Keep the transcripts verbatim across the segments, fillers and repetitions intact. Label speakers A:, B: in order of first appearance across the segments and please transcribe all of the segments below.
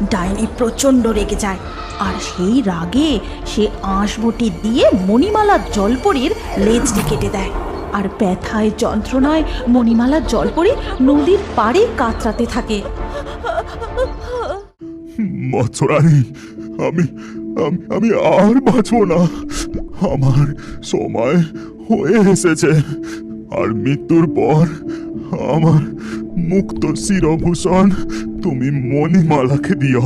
A: ডাইনি প্রচণ্ড রেগে যায়, আর সেই রাগে সে আঁশবটি দিয়ে মণিমালা জলপরীর লেজটি কেটে দেয়। আর ব্যথায় যন্ত্রণায় মণিমালা জলপরী নদীর পাড়ে কাতরাতে থাকে।
B: মৎস্যরানী, আমি আমি আমি আর বাঁচব না। আমার সময় হয়ে এসেছে, আর মৃত্যুর পর আমার মুক্ত শিরভূষণ তুমি মণিমালাকে দিও।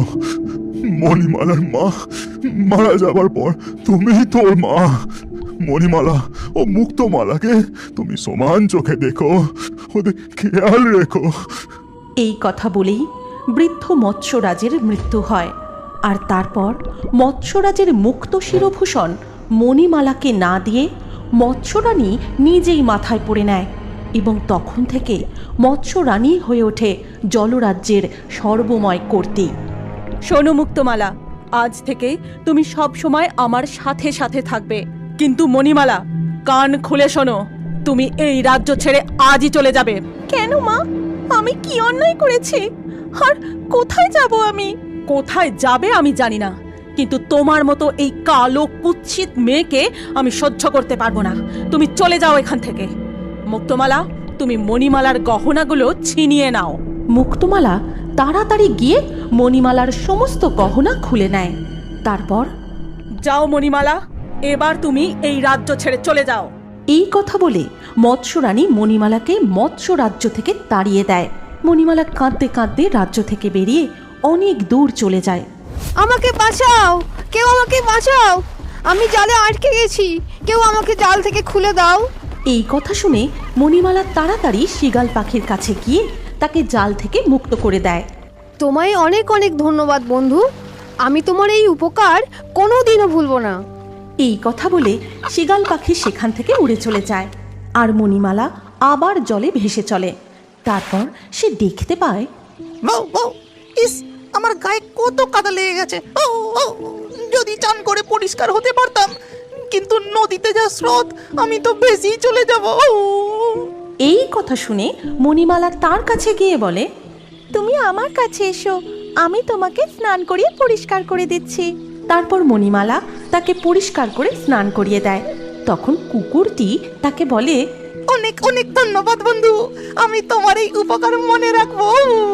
B: মণিমালার মা মারা যাবার পর তুমি তোর মা। মণিমালা ও মুক্তমালাকে তুমি সমান চোখে দেখো, ওদের খেয়াল রেখো।
A: এই কথা বলেই বৃদ্ধ মৎস্যরাজের মৃত্যু হয়। আর তারপর মৎস্যরাজের মুক্ত শিরভূষণ মণিমালাকে না দিয়ে মৎস্যরানী নিজেই মাথায় পড়ে নেয়, এবং তখন থেকে মৎস্যরানী হয়ে ওঠে জলরাজ্যের সর্বময় কর্ত্রী। শোনো মুক্তমালা, আজ থেকে তুমি সব সময় আমার সাথে সাথে থাকবে। কিন্তু মণিমালা, কান খুলে শোনো, তুমি এই রাজ্য ছেড়ে আজই চলে যাবে। কেন মা? আমি কি অন্যায় করেছি? আর কোথায় যাব আমি? কোথায় যাবে আমি জানি না, কিন্তু তোমার মতো এই কালো কুৎসিত মেয়েকে আমি সহ্য করতে পারবো না। তুমি চলে যাও এখান থেকে। মুক্তমালা, তুমি মণিমালার গহনাগুলো ছিনিয়ে নাও। মুক্তমালা তাড়াতাড়ি গিয়ে মণিমালার সমস্ত গহনা খুলে নেয়। তারপর, যাও মণিমালা, এবার তুমি এই রাজ্য ছেড়ে চলে যাও। এই কথা বলে মৎস্যরানী মণিমালাকে মৎস্য রাজ্য থেকে তাড়িয়ে দেয়। মণিমালা কাঁদতে কাঁদতে রাজ্য থেকে বেরিয়ে অনেক দূর চলে যায়।
C: আমাকে বাঁচাও, কেউ আমাকে বাঁচাও, আমি জালে আটকে গেছি, কেউ আমাকে জাল থেকে খুলে দাও।
A: এই কথা শুনে মণিমালা তাড়াতাড়ি শৃগাল পাখির কাছে গিয়ে তাকে জাল থেকে মুক্ত করে দেয়।
C: তোমায় অনেক অনেক ধন্যবাদ বন্ধু, আমি তোমার এই উপকার কোনোদিনও ভুলবো না।
A: এই কথা বলে শৃগাল পাখি সেখান থেকে উড়ে চলে যায়, আর মণিমালা আবার জলে ভেসে চলে। তারপর সে দেখতে পায়,
D: বউ বউ, ইস, আমার গায়ে কত কাদা লেগে গেছে। ও ও, যদি চান করে পরিষ্কার হতে পারতাম, কিন্তু নদীতে যা স্রোত, আমি তো বেশি চলে যাব।
A: এই কথা শুনে মণিমালা তার কাছে গিয়ে বলে, তুমি আমার কাছে এসো, আমি তোমাকে স্নান করিয়ে পরিষ্কার করে দিচ্ছি। তারপর মণিমালা তাকে পরিষ্কার করে স্নান করিয়ে দেয়। তখন কুকুরটি তাকে বলে,
D: অনেক অনেক ধন্যবাদ বন্ধু, আমি তোমার এই উপকার মনে রাখবো।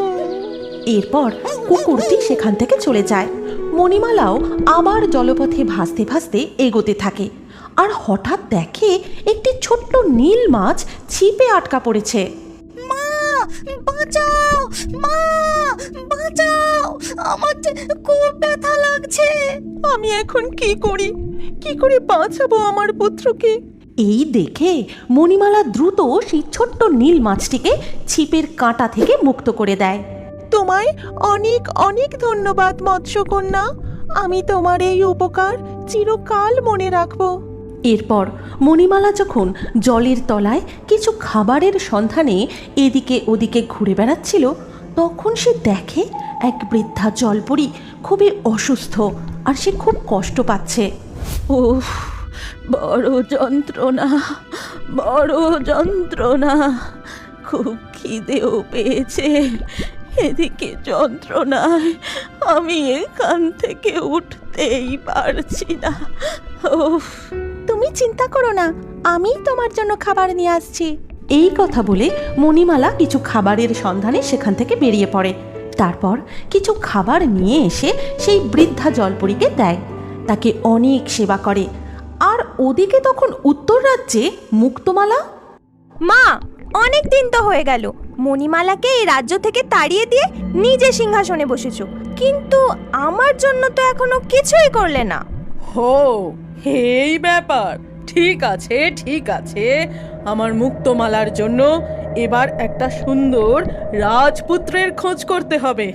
A: এরপর কুকুরটি সেখান থেকে চলে যায়। মণিমালাও আবার জলপথে ভাসতে ভাসতে এগোতে থাকে, আর হঠাৎ দেখে একটি ছোট্ট নীল মাছ ছিপে আটকা পড়েছে।
D: মা বাঁচাও, মা বাঁচাও, আমার যে খুব ব্যথা লাগছে।
A: আমি এখন কি করি? কি করে বাঁচাবো আমার পুত্রকে? এই দেখে মণিমালা দ্রুত সেই ছোট্ট নীল মাছটিকে ছিপের কাঁটা থেকে মুক্ত করে দেয়। তোমায় অনেক অনেক ধন্যবাদ মৎস্যকন্যা, আমি তোমার এই উপকার চিরকাল মনে রাখবো। এরপর মণিমালা যখন জলের তলায় কিছু খাবারের সন্ধানে এদিকে ওদিকে ঘুরে বেড়াচ্ছিল, তখন সে দেখে এক বৃদ্ধা জলপরী খুবই অসুস্থ, আর সে খুব কষ্ট পাচ্ছে। উফ, বড় যন্ত্রণা, বড় যন্ত্রণা, খুব খিদেও পেয়েছে। এদিকে যন্ত্রণায় আমি এখান থেকে উঠতেই পারছি না। উফ, তুমি চিন্তা করো না, আমি তোমার জন্য খাবার নিয়ে আসছি। এই কথা বলে মণিমালা কিছু খাবারের সন্ধানে সেখান থেকে বেরিয়ে পড়ে। তারপর কিছু খাবার নিয়ে এসে সেই বৃদ্ধা জলপরীকে দেয়, তাকে অনেক সেবা করে। আর ওদিকে তখন উত্তর রাজ্যে মুক্তমালা,
C: মা, অনেক দিন তো হয়ে গেল, মণিমালাকে এই রাজ্য থেকে তাড়িয়ে দিয়ে নিজে সিংহাসনে বসেছো, কিন্তু আমার জন্য তো এখনো কিছুই করলে না।
E: হো, এই ব্যাপার। ঠিক আছে ঠিক আছে, আমার মুক্তমালার জন্য এবার একটা সুন্দর রাজপুত্রের খোঁজ করতে হবে।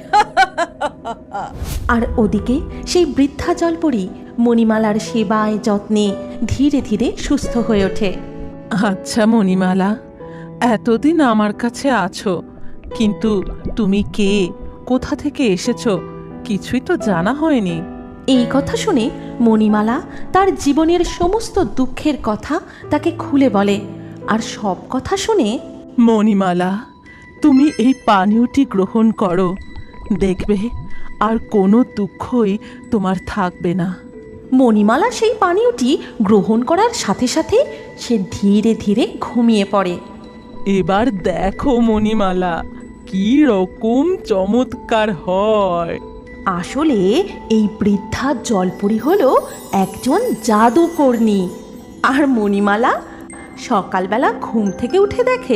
A: আর ওদিকে সেই বৃদ্ধা জলপরী মণিমালার সেবায় যত্নে ধীরে ধীরে সুস্থ হয়ে ওঠে।
E: আচ্ছা মণিমালা, এতদিন আমার কাছে আছো, কিন্তু তুমি কে, কোথা থেকে এসেছো, কিছুই তো জানা হয়নি।
A: এই কথা শুনে মণিমালা তার জীবনের সমস্ত দুঃখের কথা তাকে খুলে বলে। আর সব কথা শুনে,
E: মণিমালা, তুমি এই পানীয়টি গ্রহণ করো, দেখবে আর কোনো দুঃখই তোমার থাকবে না।
A: মণিমালা সেই পানীয়টি গ্রহণ করার সাথে সাথে সে ধীরে ধীরে ঘুমিয়ে পড়ে।
E: এবার দেখো মণিমালা, কি রকম চমৎকার হয়।
A: আসলে এই বৃদ্ধা জলপরি হলো একজন জাদুকর্ণী। আর মণিমালা সকালবেলা ঘুম থেকে উঠে দেখে,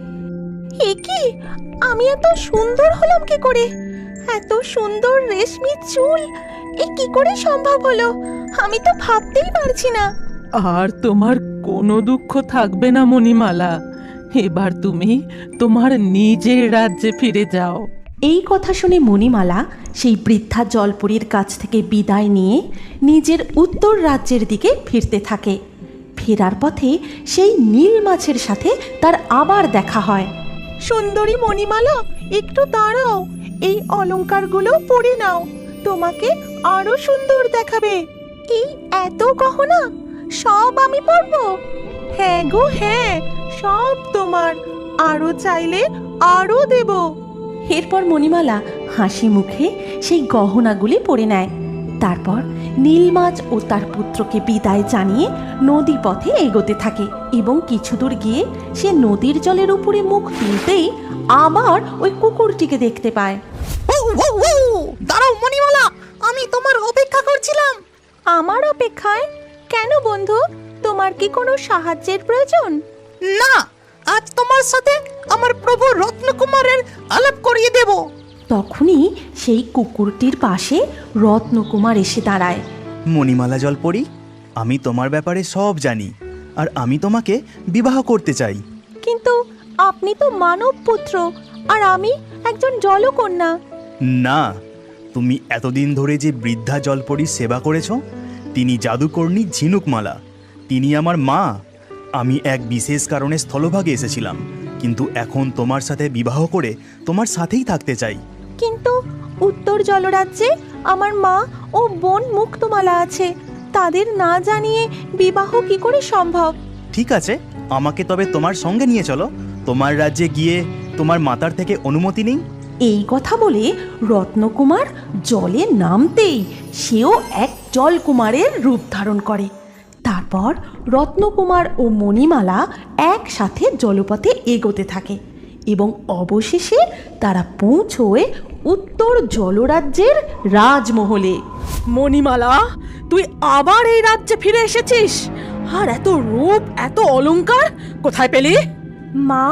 C: এ কি, আমি এত সুন্দর হলাম কি করে? এত সুন্দর রেশমি চুল, এ কি করে সম্ভব হলো? আমি তো ভাবতেই পারছি না।
E: আর তোমার কোনো দুঃখ থাকবে না মণিমালা, এবার তুমি তোমার নিজের রাজ্যে ফিরে যাও।
A: এই কথা শুনে মণিমালা সেই বৃদ্ধা জলপরীর কাছ থেকে বিদায় নিয়ে নিজের উত্তর রাজ্যের দিকে ফিরতে থাকে। ফেরার পথে সেই নীল মাছের সাথে তার আবার দেখা হয়।
C: সুন্দরী মণিমালা, একটু দাঁড়াও, এই অলংকারগুলো পরে নাও, তোমাকে আরো সুন্দর দেখাবে। এই এত গহনা সব আমি পরবো? হ্যাঁ গো হ্যাঁ, সব তোমার, আরো চাইলে আরো দেব।
A: এরপর মণিমালা হাসি মুখে সেই গহনাগুলি পরে নেয়। তারপর নীলমাছ ও তার পুত্রকে বিদায় জানিয়ে নদী পথে এগোতে থাকে এবং কিছু দূর গিয়ে সে নদীর জলের উপরে মুখ তুলতেই আবার ওই কুকুরটিকে দেখতে পায়।
D: ও, ও, ও, দাঁড়াও মণিমালা, আমি তোমার অপেক্ষা করছিলাম।
C: আমার অপেক্ষায়? কেন বন্ধু, তোমার কি কোনো সাহায্যের প্রয়োজন?
D: না, আজ তোমার সাথে আমার প্রভু রত্নকুমারের আলাপ করিয়ে দেব।
A: তখনই সেই কুকুরটির পাশে রত্নকুমার এসে দাঁড়ায়।
F: মণিমালা জলপরি, আমি তোমার ব্যাপারে সব জানি, আর আমি তোমাকে বিবাহ করতে চাই।
C: কিন্তু আপনি তো মানব পুত্র, আর আমি একজন জলকন্যা।
F: না, তুমি এতদিন ধরে যে বৃদ্ধা জলপরির সেবা করেছ, তিনি জাদুকর্ণী ঝিনুকমালা, তিনি আমার মা। আমি এক বিশেষ কারণে স্থলভাগে এসেছিলাম, কিন্তু এখন তোমার সাথে বিবাহ করে তোমার সাথেই থাকতে চাই।
C: কিন্তু উত্তর জলরাজ্যে আমার মা ও বোন মুক্তমালা আছে, তাদের না জানিয়ে বিবাহ কি করে সম্ভব?
F: ঠিক আছে, আমাকে তবে তোমার সঙ্গে নিয়ে চলো, তোমার রাজ্যে গিয়ে তোমার মাতার থেকে অনুমতি নিই।
A: এই কথা বলে রত্নকুমার জলে নামতেই সেও এক জলকুমারের রূপ ধারণ করে। তারপর রত্নকুমার ও মণিমালা একসাথে জলপথে এগোতে থাকে এবং অবশেষে তারা পৌঁছয় উত্তর জলরাজ্যের রাজমহলে।
E: মণিমালা, তুই আবার এই রাজ্যে ফিরে এসেছিস? আর এত রূপ, এত অলংকার কোথায় পেলি?
C: মা,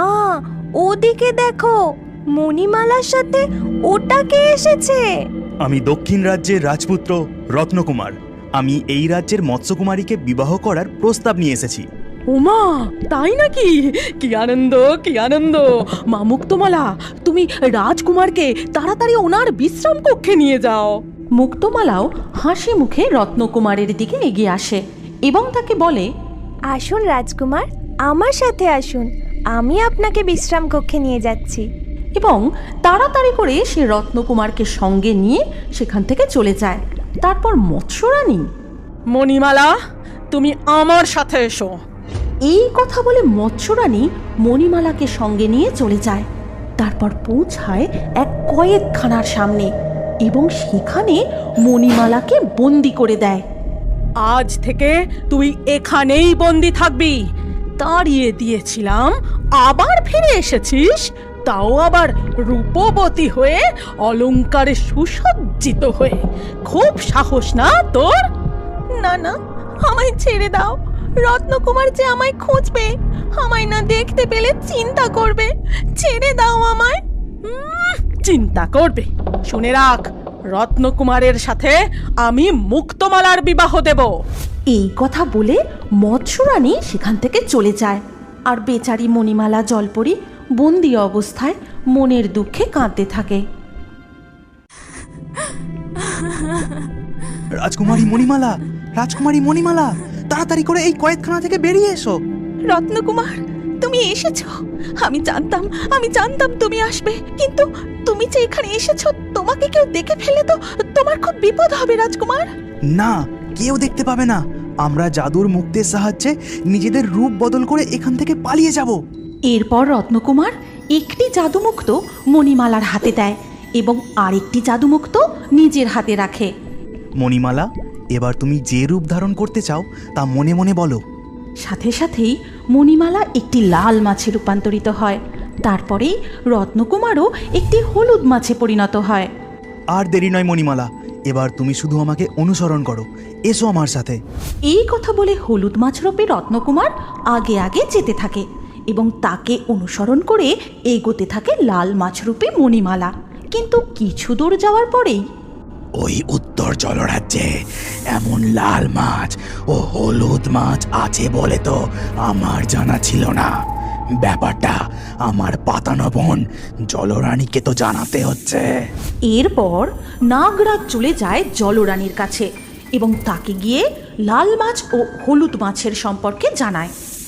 C: ওদিকে দেখো, মণিমালার সাথে ওটা কে এসেছে?
F: আমি দক্ষিণ রাজ্যের রাজপুত্র রত্নকুমার। আমি এই রাজ্যের মৎস্যকুমারীকে বিবাহ করার প্রস্তাব নিয়ে এসেছি।
E: ওমা, তাই নাকি? কি আনন্দ, কি আনন্দ! মা মুক্তমালা, তুমি রাজকুমারকে তাড়াতাড়ি ওনার বিশ্রাম কক্ষে নিয়ে যাও।
A: মুক্তমালাও হাসি মুখে রত্নকুমারের দিকে এগিয়ে আসে এবং তাকে বলে,
C: আসুন রাজকুমার, আমার সাথে আসুন, আমি আপনাকে বিশ্রাম কক্ষে নিয়ে যাচ্ছি।
A: এবং তাড়াতাড়ি করে সে রত্নকুমারকে সঙ্গে নিয়ে সেখান থেকে চলে যায়। তারপর মৎস্যরানী,
E: মণিমালা, তুমি আমার সাথে এসো।
A: এই কথা বলে মৎস্যরানী মণিমালাকে সঙ্গে নিয়ে চলে যায়। তারপর পৌঁছায় এক কয়েদখানার সামনে এবং সেখানে মণিমালাকে বন্দি করে দেয়।
E: আজ থেকে তুই এখানেই বন্দি থাকবি। তাড়িয়ে দিয়েছিলাম, আবার ফিরে এসেছিস, তাও আবার রূপবতী হয়ে, অলংকারে সুসজ্জিত হয়ে। খুব সাহস না তোর?
C: না না, আমায় ছেড়ে দাও, রত্নকুমার যে আমায় খুঁজবে, আমায় না দেখতে পেলে চিন্তা করবে, ছেড়ে দাও আমায়।
E: উম, চিন্তা করবে? শুনে রাখ, রত্নকুমারের সাথে আমি মুক্তমালার বিবাহ দেব।
A: এই কথা বলে মৎস্যরানী সেখান থেকে চলে যায়। আর বেচারি মণিমালা জলপরি বন্দি অবস্থায় মনের দুঃখে কাঁদতে থাকে।
F: রাজকুমারী মণিমালা, রাজকুমারী মণিমালা, তাড়াতাড়ি করে এই কয়েদখানা থেকে বেরিয়ে এসো।
C: রত্নকুমার, তুমি এসেছো? আমি জানতাম, আমি জানতাম তুমি আসবে, কিন্তু তুমি যে এখানে এসেছো, তোমাকে কেউ দেখে ফেলে তো তোমার খুব বিপদ হবে রাজকুমার।
F: না, কেউ দেখতে পাবে না। আমরা জাদুর মুক্তের সাহায্যে নিজেদের রূপ বদল করে এখান থেকে পালিয়ে যাব।
A: এরপর রত্নকুমার একটি জাদুমুক্ত মণিমালার হাতে দেয় এবং আরেকটি জাদুমুক্ত নিজের হাতে রাখে।
F: মণিমালা, এবার তুমি যে রূপ ধারণ করতে চাও তা মনে মনে বলো।
A: সাথে সাথেই মণিমালা একটি লাল মাছে রূপান্তরিত হয়। তারপরেই রত্নকুমারও একটি হলুদ মাছে পরিণত হয়।
F: আর দেরি নয় মণিমালা, এবার তুমি শুধু আমাকে অনুসরণ করো, এসো আমার সাথে।
A: এই কথা বলে হলুদ মাছরূপী রত্নকুমার আগে আগে যেতে থাকে এবং তাকে অনুসরণ করে এগোতে থাকে লাল মাছরূপী মণিমালা। কিন্তু কিছু দূর যাওয়ার পরেই
G: ওই উত্তর জলরাজ্যে এমন লাল মাছ ও হলুদ মাছ আছে বলে তো আমার জানা ছিল না। ব্যাপারটা আমার পাতানো বোন জলরানীকে তো জানাতে হচ্ছে।
A: এরপর নাগরাজ চলে যায় জলরানীর কাছে এবং তাকে গিয়ে লাল মাছ ও হলুদ মাছের সম্পর্কে জানায়।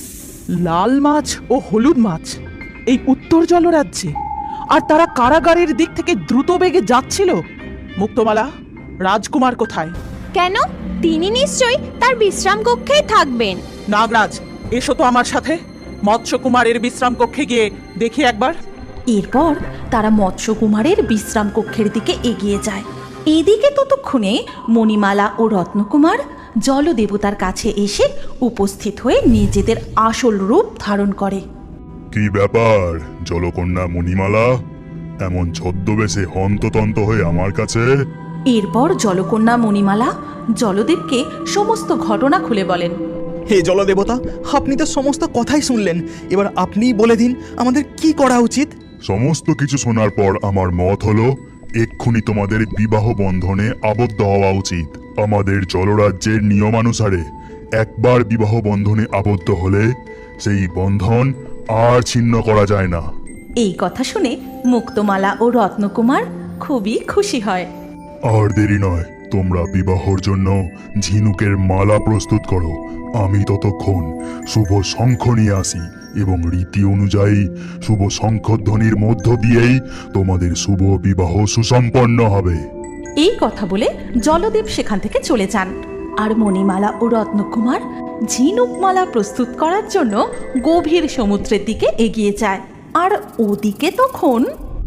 H: লাল মাছ ও হলুদ মাছ এই উত্তর জলরাজ্যে, আর তারা কারাগারের দিক থেকে দ্রুত বেগে যাচ্ছিল। মুক্তমালা, রাজকুমার কোথায়?
C: কেন? তিনি নিশ্চয়ই তার বিশ্রাম কক্ষেই থাকবেন।
H: নাগরাজ, এসো তো আমার সাথে। মৎস্যকুমারের বিশ্রাম কক্ষে গিয়ে দেখি একবার।
A: এরপর তারা মৎস্যকুমারের বিশ্রাম কক্ষের দিকে এগিয়ে যায়। এদিকে ততক্ষণে মণিমালা ও রত্নকুমার জলদেবতার কাছে এসে উপস্থিত হয়ে নিজেদের আসল রূপ ধারণ করে।
B: কি ব্যাপার জলকন্যা মণিমালা, এমন ছদ্মবেশে হন্ততন্ত হয়ে আমার কাছে?
A: এরপর জলকন্যা মণিমালা জলদেবকে সমস্ত ঘটনা খুলে বলেন।
F: হে জলদেবতা, আপনি তো সমস্ত কথাই শুনলেন, এবার আপনিই বলে দিন আমাদের কি করা উচিত।
B: সমস্ত কিছু শোনার পর আমার মত হলো এক্ষুনি তোমাদের বিবাহ বন্ধনে আবদ্ধ হওয়া উচিত। আমাদের জলরাজ্যের নিয়মানুসারে একবার বিবাহ বন্ধনে আবদ্ধ হলে সেই বন্ধন আর ছিন্ন করা যায় না।
A: এই কথা শুনে মুক্তমালা ও রত্নকুমার খুবই খুশি হয়।
B: আর দেরি নয়, তোমরা বিবাহর জন্য ঝিনুকের মালা প্রস্তুত করো। আমি ততক্ষণ শুভ শঙ্খ নিয়ে আসি এবং রীতি অনুযায়ী শুভ শঙ্খধ্বনির মধ্য দিয়েই তোমাদের শুভ বিবাহ সুসম্পন্ন হবে।
A: এই কথা বলে জলদেব সেখান থেকে চলে যান। আর মণিমালা ও রত্নকুমার ঝিনুকমালা প্রস্তুত করার জন্য গভীর সমুদ্রের দিকে এগিয়ে যায়। আর ওদিকে তখন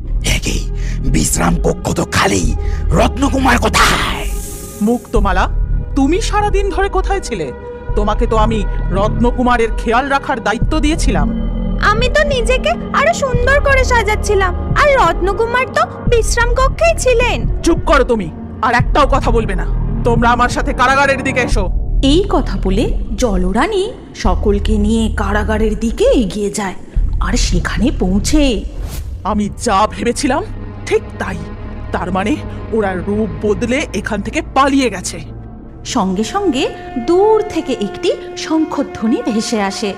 G: একই বিশ্রাম কক্ষ তো খালি, রত্নকুমার কোথায়?
H: মুক্তমালা, তুমি সারাদিন ধরে কোথায় ছিলে? তোমাকে তো আমি রত্নকুমারের খেয়াল রাখার দায়িত্ব দিয়েছিলাম।
C: আমি তো নিজেকে আরো সুন্দর করে সাজাচ্ছিলাম, আর রত্নকুমার তো বিশ্রাম কক্ষেই ছিলেন।
H: চুপ করো তুমি, আর একটাও কথা বলবে না। তোমরা আমার সাথে কারাগারের দিকে এসো।
A: এই কথা বলে জলরানী সকলকে নিয়ে কারাগারের দিকে এগিয়ে যায়। আর সেখানে পৌঁছে
H: আমি যা ভেবেছিলাম ঠিক তাই। তার মানে ওরা রূপ বদলে এখান থেকে পালিয়ে গেছে।
A: সঙ্গে সঙ্গে দূর থেকে একটি শঙ্খধ্বনি ভেসে আসে।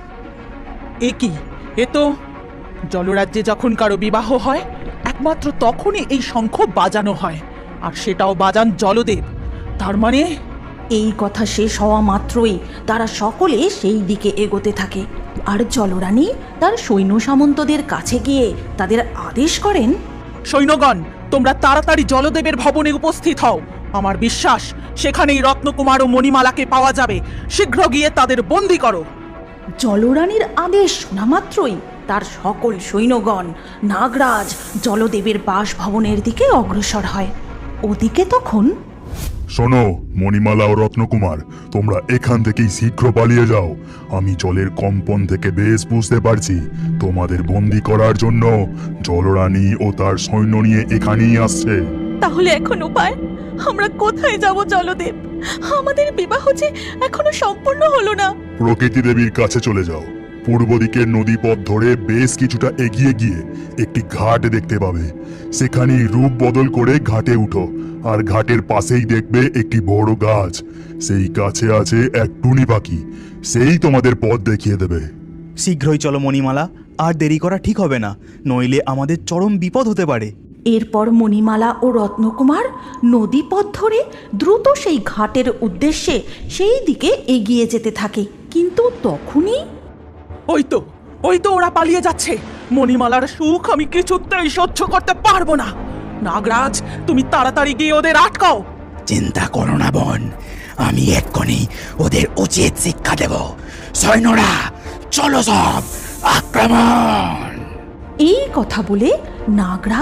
H: এ কি? এ তো জলরাজ্যে যখন কারো বিবাহ হয় একমাত্র তখনই এই শঙ্খ বাজানো হয়, আর সেটাও বাজান জলদেব। তার মানে
A: এই কথা শেষ হওয়া মাত্রই তারা সকলে সেই দিকে এগোতে থাকে। আর জলরানী তার সৈন্য সামন্তদের কাছে গিয়ে তাদের আদেশ করেন,
H: সৈন্যগণ, তোমরা তাড়াতাড়ি জলদেবের ভবনে উপস্থিত হও। আমার বিশ্বাস সেখানেই রত্নকুমার ও মণিমালাকে পাওয়া যাবে। শীঘ্র গিয়ে তাদের বন্দি করো।
A: জলরানীর আদেশ শোনা মাত্রই তার সকল সৈন্যগণ নাগরাজ জলদেবের বাসভবনের দিকে অগ্রসর হয়। ওদিকে তখন
B: শোনো মণিমালা ও রত্নকুমার, তোমরা এখান থেকেই শীঘ্র পালিয়ে যাও। আমি জলের কম্পন থেকে বেশ বুঝতে পারছি তোমাদের বন্দি করার জন্য জলরানী ও তার সৈন্য নিয়ে এখানেই আসছে।
C: তাহলে এখন উপায়? আমরা কোথায় যাব জলদেব? আমাদের বিবাহ যে এখনো সম্পূর্ণ হলো না।
B: প্রকৃতি দেবীর কাছে চলে যাও। পূর্ব দিকের নদী পথ ধরে বেশ কিছুটা এগিয়ে গিয়ে একটি ঘাট দেখতে পাবে। সেখানেই রূপ বদল করে ঘাটে উঠো, আর ঘাটের পাশেই দেখবে একটি বড় গাছ। সেই গাছে আছে এক টুনি পাখি, সেই তোমাদের পথ দেখিয়ে দেবে।
F: শীঘ্রই চলো মণিমালা, আর দেরি করা ঠিক হবে না, নইলে আমাদের চরম বিপদ হতে পারে।
A: এরপর মণিমালা ও রত্নকুমার নদীপথ ধরে দ্রুত সেই ঘাটের উদ্দেশ্যে সেই দিকে এগিয়ে যেতে থাকে। কিন্তু তখনই
H: ওই তো ওই তো ওরা পালিয়ে যাচ্ছে। মণিমালার সুখ আমি কিছুতেই সহ্য করতে পারবো না। নাগরাজ, তুমি তাড়াতাড়ি গিয়ে ওদের আটকাও।
G: চিন্তা করো না বোন, আমি এক্ষুনি ওদের উচিত শিক্ষা দেব। সৈন্যরা চলো, সব আক্রমণ!
A: এই কথা বলে নাগরাজ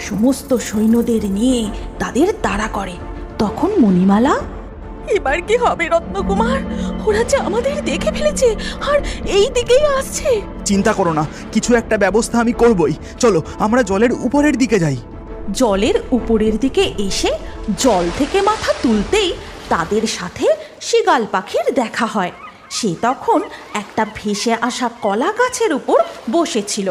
A: সমস্ত সৈন্যদের নিয়ে তাদের তাড়া করে। তখন মণিমালা,
C: এবার কি হবে রত্নকুমার? ওরা যে আমাদের দেখে ফেলেছে আর এই দিকেই আসছে।
F: চিন্তা করো না, কিছু একটা ব্যবস্থা আমি করবই। চলো আমরা জলের উপরের দিকে যাই।
A: জলের উপরের দিকে এসে জল থেকে মাথা তুলতেই তাদের সাথে শিগাল পাখির দেখা হয়। সে তখন একটা ভেসে আসা কলা গাছের উপর বসেছিল।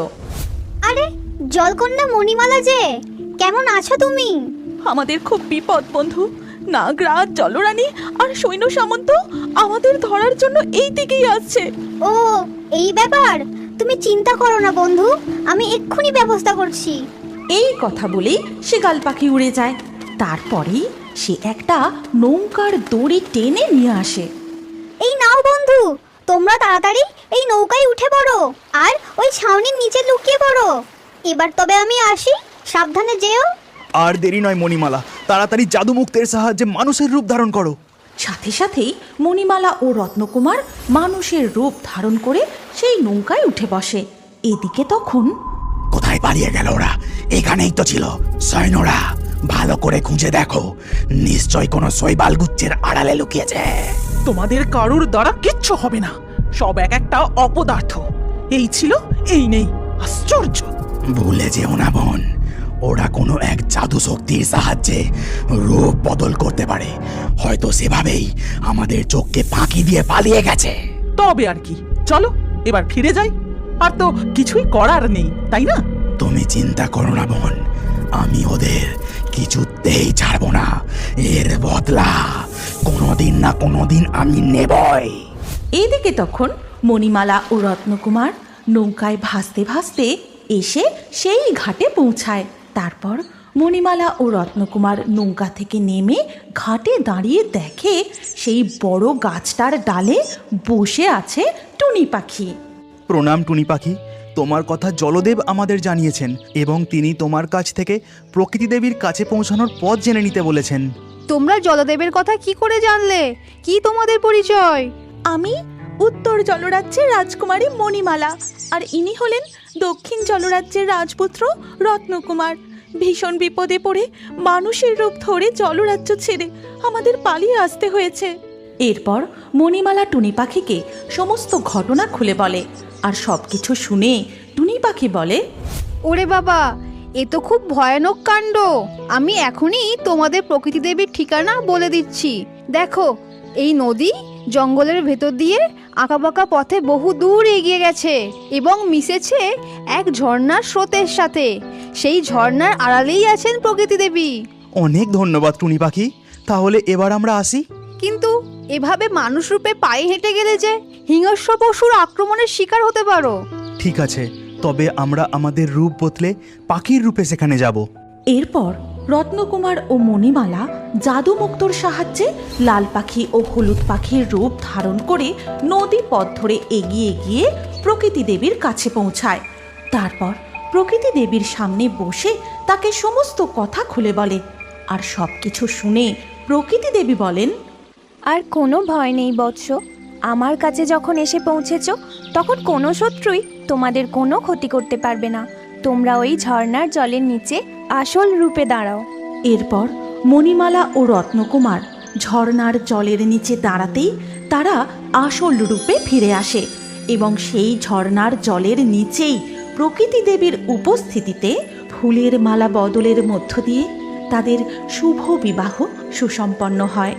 I: আরে জলকন্যা মণিমালা যে, কেমন আছো তুমি?
C: আমাদের খুব বিপদ বন্ধু। নাগরাজ, জলরানী আর সৈন্য সামন্ত আমাদের ধরার জন্য এই দিকেই আসছে।
I: ও এই ব্যাপার, তুমি চিন্তা করো না বন্ধু, আমি এক্ষুনি ব্যবস্থা করছি।
A: এই কথা বলেই শিগাল পাখি উড়ে যায়। তারপরেই সে একটা নৌকার দড়ি টেনে নিয়ে আসে।
I: এই নাও বন্ধু, তোমরা তাড়াতাড়ি এই নৌকায় উঠে পড়ো আর ওই ছাউনির নিচে লুকিয়ে পড়ো। এবার তবে আমি আসি, সাবধানে যেও।
F: আর দেরি নয় মণিমালা, তাড়াতাড়ি জাদুমুক্তের সাহায্যে মানুষের রূপ ধারণ করো।
A: সাথে সাথেই মণিমালা ও রত্নকুমার মানুষের রূপ ধারণ করে সেই নৌকায় উঠে বসে। এদিকে তখন,
G: কোথায় পালিয়ে গেল ওরা? এখানেই তো ছিল। সৈন্যরা, ভালো করে খুঁজে দেখো, নিশ্চয় কোনো শৈবাল গুচ্ছের আড়ালে লুকিয়েছে।
H: তোমাদের কারুর দ্বারা কিচ্ছু হবে না, সব এক একটা অপদার্থ। এই ছিল, এই নেই, আশ্চর্য।
G: ভুলে যেও না বোন, ওরা কোনো এক জাদু শক্তির সাহায্যে রূপ বদল করতে পারে। হয়তো সেভাবেই আমাদের চোখকে ফাঁকি দিয়ে পালিয়ে গেছে।
H: তবে আর কি, চলো এবার ফিরে যাই। আর তো কিছুই করার নেই, তাই না?
G: তুমি চিন্তা করো না বোন, আমি ওদের কিছুতেই ছাড়বো না। এর বদলা কোনোদিন না কোনোদিন আমি নেবই।
A: এদিকে তখন মণিমালা ও রত্নকুমার নৌকায় ভাসতে ভাসতে এসে সেই ঘাটে পৌঁছায়। তারপর মণিমালা ও রত্নকুমার নৌকা থেকে নেমে ঘাটে দাঁড়িয়ে দেখে সেই বড় গাছটার ডালে বসে আছে টুনি পাখি।
F: প্রণাম টুনি পাখি, তোমার কথা জলদেব আমাদের জানিয়েছেন এবং তিনি তোমার কাছ থেকে প্রকৃতি দেবীর কাছে পৌঁছানোর পথ জেনে নিতে বলেছেন।
J: তোমরা জলদেবের কথা কি করে জানলে? কি তোমাদের পরিচয়?
C: আমি উত্তর জলরাজ্যের রাজকুমারী মণিমালা, আর ইনি হলেন দক্ষিণ জলরাজ্যের রাজপুত্র রত্নকুমার। ভীষণ বিপদে পড়ে মানুষের রূপ ধরে জলরাজ্য ছেড়ে আমাদের পালিয়ে আসতে হয়েছে।
A: এরপর মণিমালা টুনি পাখিকে সমস্ত ঘটনা খুলে বলে। আর সব কিছু শুনে টুনি পাখি বলে,
J: ওরে বাবা, এ তো খুব ভয়ানক কাণ্ড। আমি এখনই তোমাদের প্রকৃতি দেবীর ঠিকানা বলে দিচ্ছি। দেখো, এই নদী জঙ্গলের ভেতর দিয়ে আঁকাবাঁকা পথে বহু দূর এগিয়ে গেছে এবং মিশেছে এক ঝর্ণার স্রোতের সাথে। সেই ঝর্ণার আড়ালেই আছেন প্রকৃতি দেবী।
F: অনেক ধন্যবাদ টুনি পাখি, তাহলে এবার আমরা আসি।
J: কিন্তু এভাবে মানুষ রূপে পায়ে হেঁটে গেলে যে হিংস্র পশুর আক্রমণের শিকার হতে পারো।
F: ঠিক আছে, তবে আমরা আমাদের রূপ বদলে পাখির রূপে সেখানে যাব।
A: এরপর রত্নকুমার ও মণিমালা জাদুমুক্তর সাহায্যে লাল পাখি ও হলুদ পাখির রূপ ধারণ করে নদী পথ ধরে এগিয়ে গিয়ে প্রকৃতি দেবীর কাছে পৌঁছায়। তারপর প্রকৃতি দেবীর সামনে বসে তাকে সমস্ত কথা খুলে বলে। আর সব কিছু শুনে প্রকৃতি দেবী বলেন,
K: আর কোনো ভয় নেই বৎস, আমার কাছে যখন এসে পৌঁছেছ তখন কোনো শত্রুই তোমাদের কোনো ক্ষতি করতে পারবে না। তোমরা ওই ঝর্ণার জলের নিচে আসল রূপে দাঁড়াও।
A: এরপর মণিমালা ও রত্নকুমার ঝর্ণার জলের নিচে দাঁড়াতেই তারা আসল রূপে ফিরে আসে এবং সেই ঝর্ণার জলের নিচেই প্রকৃতি দেবীর উপস্থিতিতে ফুলের মালা বদলের মধ্য দিয়ে তাদের শুভ বিবাহ সুসম্পন্ন হয়।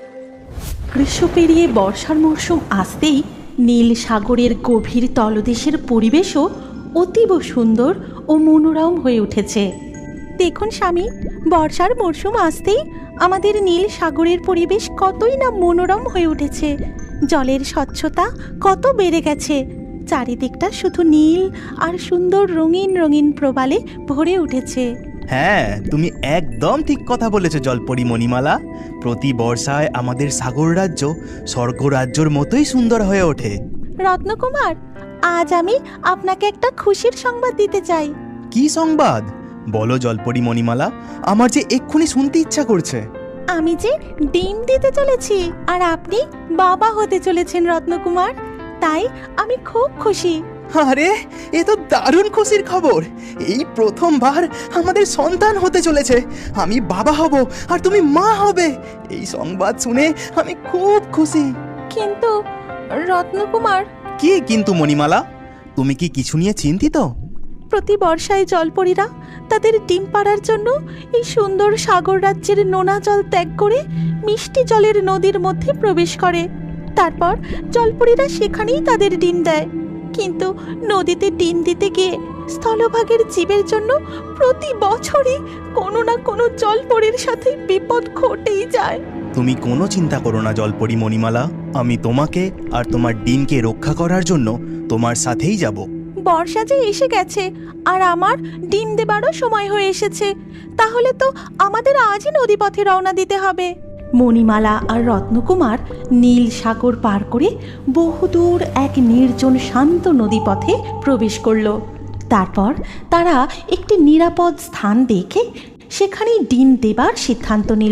A: গ্রীষ্ম পেরিয়ে বর্ষার মরশুম আসতেই নীল সাগরের গভীর তলদেশের পরিবেশও অতীব সুন্দর ও মনোরম হয়ে উঠেছে।
C: দেখুন স্বামী, বর্ষার মরশুম আসতেই আমাদের নীল সাগরের পরিবেশ কতই না মনোরম হয়ে উঠেছে। জলের স্বচ্ছতা কত বেড়ে গেছে। চারিদিকটা শুধু নীল আর সুন্দর রঙিন রঙিন প্রবালে ভরে উঠেছে।
F: হ্যাঁ, তুমি একদম ঠিক কথা বলেছো জলপরি মণিমালা। প্রতি বর্ষায় আমাদের সাগর রাজ্য স্বর্গরাজ্যর মতোই সুন্দর হয়ে ওঠে।
C: রত্নকুমার, আজ আমি আপনাকে একটা খুশির সংবাদ দিতে চাই।
F: কি সংবাদ? বলো জলপরি মণিমালা, আমার যে এক্ষুনি শুনতে ইচ্ছা করছে।
C: আমি যে ডিম দিতে চলেছি আর আপনি বাবা হতে চলেছেন রত্নকুমার, তাই আমি খুব খুশি।
D: আরে এ তো দারুণ খুশির খবর। এই প্রথমবার আমাদের সন্তান হতে চলেছে। আমি বাবা হব আর তুমি মা হবে। এই সংবাদ শুনে আমি খুব খুশি।
A: কিন্তু রত্নকুমার,
F: কি কিন্তু মণিমালা, তুমি কি কিছু নিয়ে চিন্তিত?
A: প্রতি বর্ষায় জলপরীরা তাদের ডিম পাড়ার জন্য এই সুন্দর সাগর রাজ্যের নোনা জল ত্যাগ করে মিষ্টি জলের নদীর মধ্যে প্রবেশ করে। তারপর জলপরীরা সেখানেই তাদের ডিম দেয়। কিন্তু নদীতে ডিম দিতে গিয়ে স্থলভাগের জীবের জন্য প্রতি বছরই কোনো না কোনো জলপরীর সাথে বিপদ ঘটেই যায়।
F: তুমি কোনো চিন্তা করো না জলপরি মণিমালা, আমি তোমাকে আর তোমার ডিমকে রক্ষা করার জন্য তোমার সাথেই যাব।
A: বর্ষা যে এসে গেছে আর আমার ডিম দেবারও সময় হয়ে এসেছে, তাহলে তো আমাদের আজই নদীপথে রওনা দিতে হবে। মণিমালা আর রত্নকুমার নীল সাগর পার করে বহুদূর এক নির্জন শান্ত নদীপথে প্রবেশ করল। তারপর তারা একটি নিরাপদ স্থান দেখে সেখানেই ডিম দেবার সিদ্ধান্ত নিল।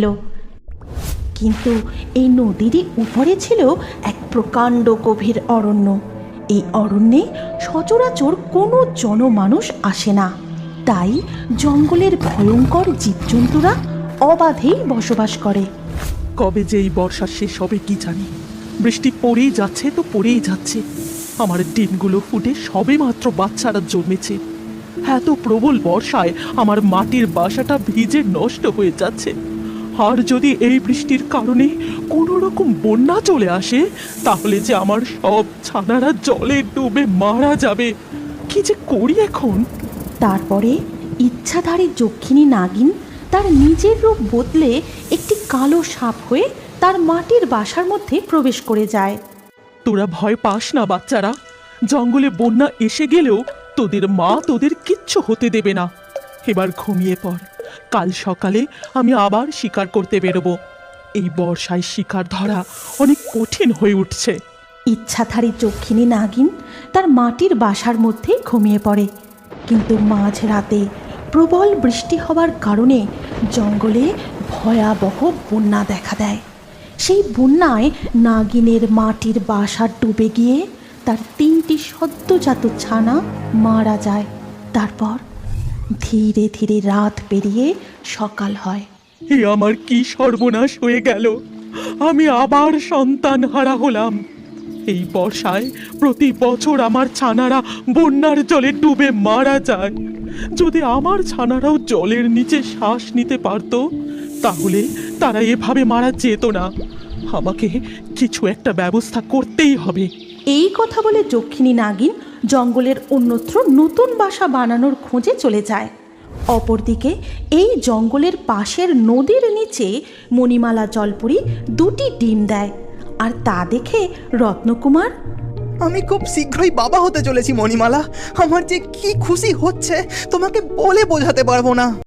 A: কিন্তু এই নদীরই উপরে ছিল এক প্রকাণ্ড গভীর অরণ্য। এই অরণ্যে সচরাচর কোনো জনমানুষ আসে না, তাই জঙ্গলের ভয়ঙ্কর জীবজন্তুরা অবাধেই বসবাস করে।
H: কবে যে এই বর্ষা শেষ হবে কি জানি। বৃষ্টি পড়েই যাচ্ছে তো পড়েই যাচ্ছে। আমার ডিমগুলো ফুটে সবে মাত্র বাচ্চারা জন্মেছে। এত প্রবল বর্ষায় আমার মাটির বাসাটা ভিজে নষ্ট হয়ে যাচ্ছে। আর যদি এই বৃষ্টির কারণে কোনো রকম বন্যা চলে আসে, তাহলে যে আমার সব ছানারা জলে ডুবে মারা যাবে। কি যে করি এখন?
A: তারপরে ইচ্ছাধারী যক্ষিণী নাগিন তার নিজের রূপ বদলে একটি কালো সাপ হয়ে তার মাটির বাসার মধ্যে প্রবেশ করে যায়।
H: তোরা ভয় পাস না বাচ্চারা, জঙ্গলে বন্যা এসে গেলেও তোদের মা তোদের কিচ্ছু হতে দেবে না। এবার ঘুমিয়ে পড়, কাল সকালে আমি আবার শিকার করতে বেরোবো। এই বর্ষায় শিকার ধরা অনেক কঠিন হয়ে উঠছে।
A: ইচ্ছাধারী যক্ষিণী নাগিন তার মাটির বাসার মধ্যে ঘুমিয়ে পড়ে। কিন্তু মাঝ রাতে প্রবল বৃষ্টি হওয়ার কারণে জঙ্গলে ভয়াবহ বন্যা দেখা দেয়। সেই বন্যায় নাগিনের মাটির বাসা ডুবে গিয়ে তার তিনটি সদ্যজাত ছানা মারা যায়। তারপর ধীরে ধীরে রাত পেরিয়ে সকাল হয়।
H: এ আমার কি সর্বনাশ হয়ে গেল! আমি আবার সন্তান হারা হলাম। এই বর্ষায় প্রতি বছর আমার ছানারা বন্যার জলে ডুবে মারা যায়। যদি আমার ছানারাও জলের নিচে শ্বাস নিতে পারত, তাহলে তারা এভাবে মারা যেত না। আমাকে কিছু একটা ব্যবস্থা করতেই হবে।
A: এই কথা বলে যক্ষিণী নাগিন জঙ্গলের অন্যত্র নতুন বাসা বানানোর খোঁজে চলে যায়। অপরদিকে এই জঙ্গলের পাশের নদীর নিচে মণিমালা জলপরি দুটি ডিম দেয়। আর তা দেখে রত্নকুমার,
D: আমি খুব শীঘ্রই বাবা হতে চলেছি মণিমালা। আমার যে কি খুশি হচ্ছে তোমাকে বলে বোঝাতে পারবো না।